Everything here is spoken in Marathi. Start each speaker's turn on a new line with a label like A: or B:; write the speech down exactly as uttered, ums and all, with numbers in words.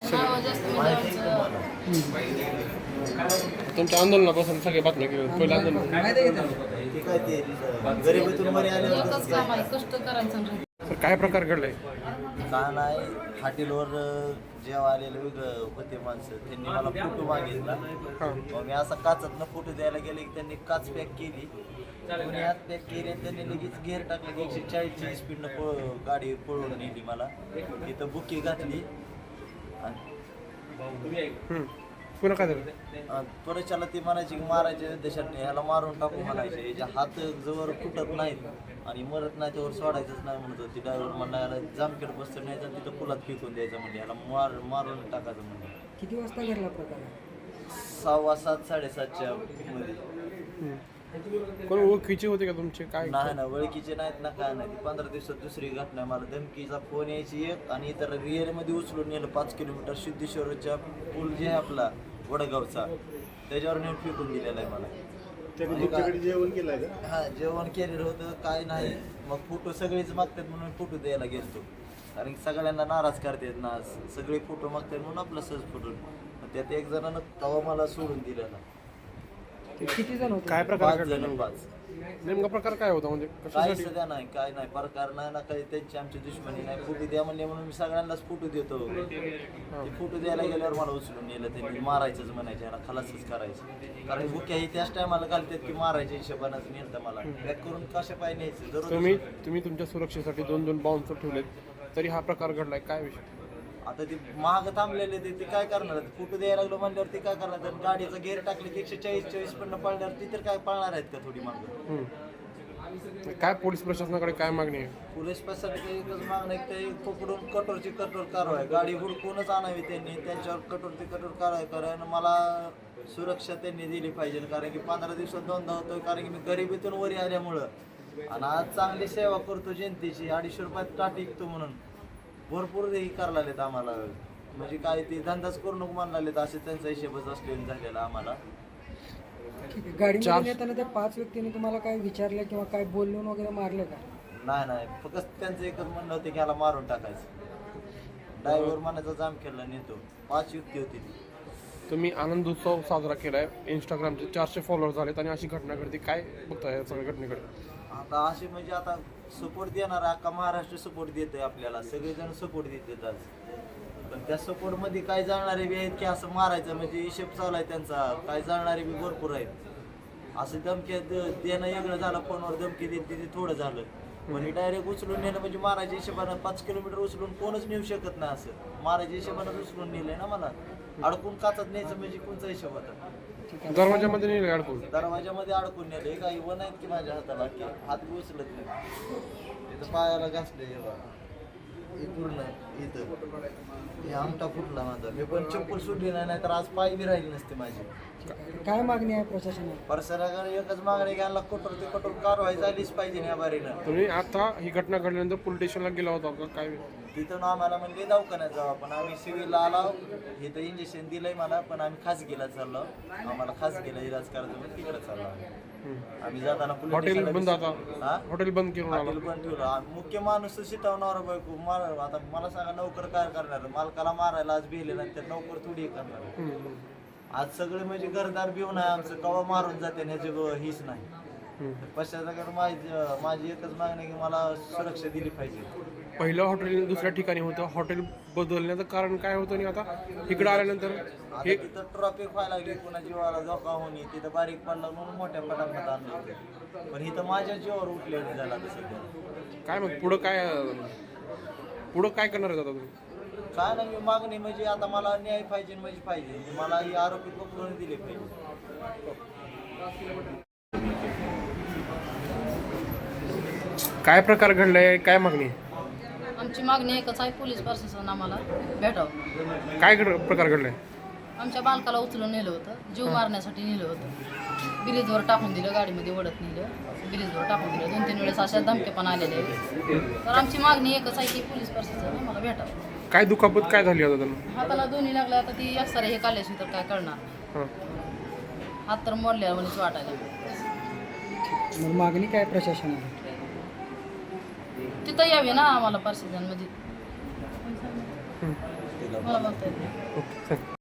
A: तुमच्या आंदोलनापासून सगळे बातम्या घेऊन पहिलं आंदोलन तर काय प्रकार घडलाय?
B: का नाही हॉटेलवर जेव्हा आलेले वेगळं होते माणसं त्यांनी मला फोटो मागितला. मग मी असा काचातनं फोटो द्यायला गेले की त्यांनी काच पॅक केली, दोन्ही हात पॅक केले आणि त्यांनी लगेच गेअर टाकले की एकशे चाळीसची स्पीडनं पळ गाडी पळवून नेली. मला तिथं बुकी घातली आणि
A: पुन्हा काय झालं?
B: परच्याला ती म्हणायची की मारायचे देशात ह्याला मारून टाकू म्हणायचे, याच्या हात जवळ फुटत नाहीत आणि मरत नाही त्यावर सोडायचंच नाही म्हणत होती. ड्रायव्हर म्हणला याला जामखेड बसतं नाही तर तिथं पुलात फेकून द्यायचं म्हणजे याला मार मारून टाकायचं म्हणजे.
C: किती वाजता घडला प्रकार?
B: सहावा सात साडेसातच्या मध्ये.
A: कोण ओळखीचे होते का तुमचे? काय
B: नाही ना ओळखीचे नाहीत ना काय नाही. ती पंधरा दिवसात दुसरी घटना. मला धमकीचा फोन यायची एक आणि इतर रिअलमध्ये उचलून नेलं पाच किलोमीटर सिद्धेश्वरच्या पूल जे आहे आपला वडगावचा त्याच्यावर नेऊन फेकून दिलेला आहे मला.
D: जेवण केलं
B: हा जेवण केलेलं होतं काय नाही. मग फोटो सगळेच मागतात म्हणून फोटो द्यायला गेलतो, कारण की सगळ्यांना नाराज करतात ना, सगळे फोटो मागतात म्हणून आपला सहज फोटो. त्यात एक जणांना तवा मला सोडून दिलेला.
C: किती जण होते?
A: काय प्रकार
B: पाच
A: घडला?
B: जण पाच.
A: नेमका प्रकार काय होता म्हणजे
B: काही
A: कशासाठी?
B: सध्या नाही काय नाही प्रकार नाही ना काही. त्यांची आमची दुश्मनी नाही. फोटो द्या म्हणले म्हणून मी सगळ्यांनाच फोटो देतो. ते फोटो द्यायला गेल्यावर मला उचलून नेलं. त्यांनी मारायचंच म्हणायचं, याला खलासच करायचं. कारण बुक्या ही त्याच टायमाला घालतात की मारायच्या हिशोबानंच नेलं मला. पॅक करून कशा पाय न्यायचं जरूर.
A: तुम्ही तुम्ही तुमच्या सुरक्षेसाठी दोन दोन बाउन्सर ठेवलेत तरी हा प्रकार घडलाय, काय विषय?
B: आता ते महाग थांबलेले ते ते काय करणार? फोटो द्यायला लागलो म्हणल्यावर ते काय करणार? तर गाडीचं गेअर टाकले की एकशे चाळीस चाळीस पण पळणार ती तर काय पळणार आहेत का थोडी मागं?
A: काय पोलीस प्रशासनाकडे काय मागणी आहे?
B: पोलीस प्रशासनाची एकच मागणं आहे की ते पकडून कठोरची कठोर कारवाई, गाडी हुडकूनच आणावी त्यांनी, त्यांच्यावर कठोरची कठोर कारवाई करा. आणि मला सुरक्षा त्यांनी दिली पाहिजे, कारण की पंधरा दिवसात दोनदा होतो, कारण की मी गरिबीतून वरी आल्यामुळं आणि आज चांगली सेवा करतो जनतेची. अडीचशे रुपयात टाट विकतो म्हणून भरपूर हे करायला लागलेत आम्हाला. म्हणजे काय ते धंदाच करू नको म्हणायला लागलेत, असे त्यांचा हिशेबच असलेला झालेला आम्हाला.
C: गाडीमध्ये येताना त्या पाच व्यक्तींनी तुम्हाला काय विचारलं किंवा काय बोलून वगैरे मारले का?
B: नाही नाही फक्त त्यांचं एकच म्हणणं होतं की ह्याला मारून टाकायचं. ड्रायव्हर मनाचा जाम केला नेतो. पाच युक्ती होती ती.
A: तुम्ही आनंद उत्सव साजरा केलाय, इंस्टाग्रामचे चारशे फॉलोअर झालेत आणि अशी घटना घडते, काय बघताय या सगळ्या घटनेकडे?
B: आता असे म्हणजे आता सपोर्ट देणार अख्खा महाराष्ट्र सपोर्ट देतोय आपल्याला, सगळेजण सपोर्ट देतात आज. पण त्या सपोर्टमध्ये काय जाणारे बी आहेत की असं मारायचं म्हणजे हिशेब चालू आहे त्यांचा. काय जाणारे बी भरपूर आहेत. असं धमकी देणं वेगळं झालं, फोनवर धमकी देत ते थोडं झालं. म्हणजे डायरेक्ट उचलून नेलं म्हणजे मारायच्या हिशोबानं पाच किलोमीटर उचलून कोणच नेऊ शकत नाही. असं मारायच्या हिशोबानं उचलून नेलंय ना मला. अडकून काचत न्यायचं म्हणजे कोणचा हिशोब होता?
A: दरवाजामध्ये नेले अडकून?
B: दरवाजामध्ये अडकून नेले. काही वन आहेत की माझ्या हाताला की हात बी उचलत नाही. इथं पायाला घासले हे पूर्ण इथं हे आमटा फुटला माझा. मी पण चप्पल सुटली नाही, नाही तर आज पाय बी राहिली नसते माझी.
C: काय मागणी आहे प्रशासनाला?
B: प्रशासनाकडे एकच मागणी घ्यायला कठोर ते कठोर कारवाई झालीच पाहिजे या बारीनं.
A: तुम्ही आता ही घटना घडल्यानंतर पोलीस स्टेशनला गेला होता का काय?
B: तिथून आम्हाला म्हणजे दवाखान्यात जाऊ, पण आम्ही सिव्हिलला आलो. इथं इंजेक्शन दिलंय मला, पण आम्ही खासगीला चाललो. आम्हाला खासगीला इलाज करायचं पण तिकडे चाललो आम्ही. जाताना
A: हॉटेल बंद, आता
B: हा
A: हॉटेल बंद केलं.
B: हॉटेल बंद ठेवलं. मुख्य माणूस शिटवणार बायको मार. आता मला सांगा नोकर काय करणार? मालकाला मारायला आज भिले नंतर नोकर थोडी करणार. आज सगळे म्हणजे घरदार भिवून आहे आमचं, कवा मारून जाते ह्याची हीच नाही. पश्चात माझी माझी एकच मागणी की मला सुरक्षा दिली पाहिजे.
A: पहिलं हॉटेल दुसऱ्या ठिकाणी होतं, हॉटेल बदलण्याचं कारण काय होतं आणि आता इकडे आल्यानंतर
B: हे तिथं ट्रॉफिक व्हायला लागली, पुन्हा जीवाला धोका होणे, तिथं बारीक पडला म्हणून मोठ्या पटापट आणलं होतं. पण इथं माझ्या जीवावर उठलेलं झालं आता सध्या.
A: काय मग पुढं काय पुढं काय करणार आहे आता तुम्ही?
B: काय नाही मी मागणी म्हणजे आता मला न्याय पाहिजे म्हणजे पाहिजे. मला ही आरोपी पकडून दिले पाहिजे.
A: काय प्रकार घडलाय, काय मागणी?
E: आमची मागणी एकच आहे, पोलीस प्रशासन आम्हाला भेटावं.
A: काय घड प्रकार घडलाय?
E: आमच्या बालकाला उचलून नेलं होतं, जीव मारण्यासाठी नेलं होतं. ब्रिजवर टाकून दिलं, गाडीमध्ये ओढत नेलं, ब्रिजवर टाकून दिलं. दोन तीन वेळेस अशा धमके पण आलेले. तर आमची मागणी एकच आहे की पोलीस प्रशासन आम्हाला भेटावं.
A: काय दुखापत काय झाली आता त्यांना?
E: हाताला दोन्ही लागल्या. आता ती एक्सरे हे काढल्याशी तर काय करणार? हात तर मोडल्या म्हणून वाटायला.
C: मग मागणी काय प्रशासनाला?
E: तिथं यावे ना आम्हाला प्रशासन, म्हणजे
B: तिला
E: मला बोलता येत नाही.
A: Okay thank you